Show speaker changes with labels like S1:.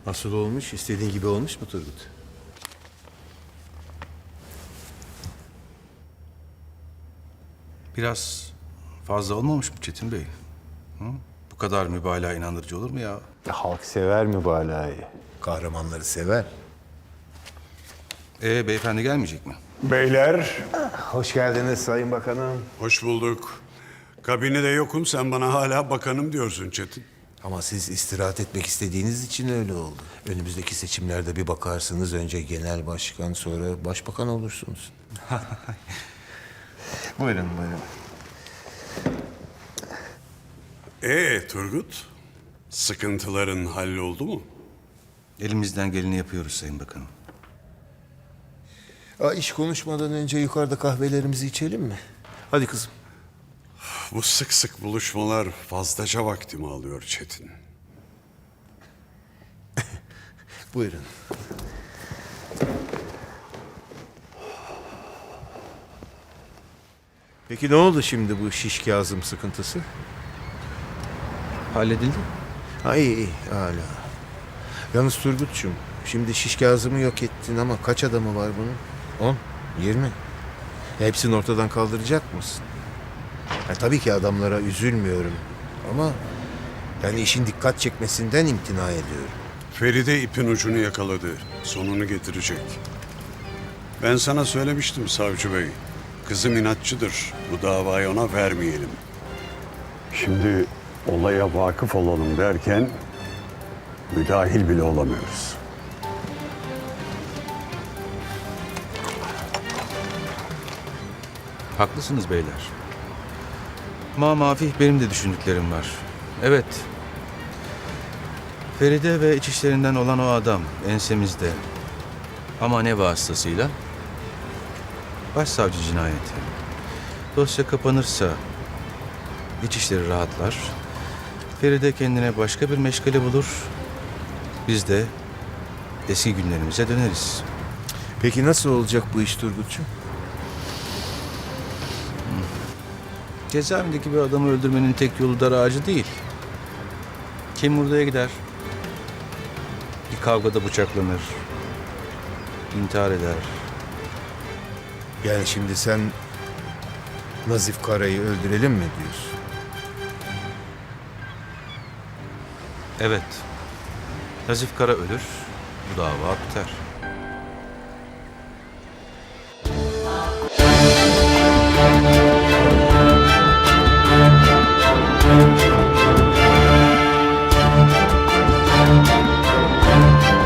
S1: Nasıl olmuş? İstediğin gibi olmuş mu Turgut?
S2: Biraz fazla olmamış mı Çetin Bey? Hı? Bu kadar mübalağa inandırıcı olur mu ya?
S1: Halk sever mübalağayı. Kahramanları sever.
S2: Beyefendi gelmeyecek mi?
S3: Beyler,
S1: Hoş geldiniz Sayın Bakanım.
S3: hoş bulduk. Kabinede yokum, sen bana hala bakanım diyorsun Çetin.
S1: Ama siz istirahat etmek istediğiniz için öyle oldu. Önümüzdeki seçimlerde bir bakarsınız, önce genel başkan, sonra başbakan olursunuz. Buyurun, buyurun.
S3: Turgut, sıkıntıların halloldu mu?
S2: Elimizden geleni yapıyoruz Sayın Bakanım.
S1: İş konuşmadan önce yukarıda kahvelerimizi içelim mi? Hadi kızım.
S3: Bu sık sık buluşmalar fazlaca vaktimi alıyor Çetin.
S1: Buyurun. Peki ne oldu şimdi bu şiş Kazım sıkıntısı?
S2: Halledildi.
S1: İyi hala. Yalnız Turgut'cum, şimdi şiş Kazım'ı yok ettin ama kaç adamı var bunun? 10, 20. Hepsini ortadan kaldıracak mısın? Tabii ki adamlara üzülmüyorum ama yani işin dikkat çekmesinden imtina ediyorum.
S3: Feride ipin ucunu yakaladı, sonunu getirecek. Ben sana söylemiştim savcı bey. Kızım inatçıdır, bu davayı ona vermeyelim. Şimdi olaya vakıf olalım derken müdahil bile olamıyoruz.
S2: Haklısınız beyler. Ama Mafih benim de düşündüklerim var. Evet. Feride ve iç işlerinden olan o adam ensemizde. Ama ne vasıtasıyla? Başsavcı cinayeti. Dosya kapanırsa iç işleri rahatlar. Feride kendine başka bir meşgale bulur. Biz de eski günlerimize döneriz.
S1: Peki nasıl olacak bu iş Turgut'cum?
S2: Cezaevindeki bir adamı öldürmenin tek yolu dar ağacı değil. Kim hurdaya gider? Bir kavgada bıçaklanır. İntihar eder.
S1: Yani şimdi sen Nazif Kara'yı öldürelim mi diyorsun?
S2: Evet. Nazif Kara ölür. Bu dava biter.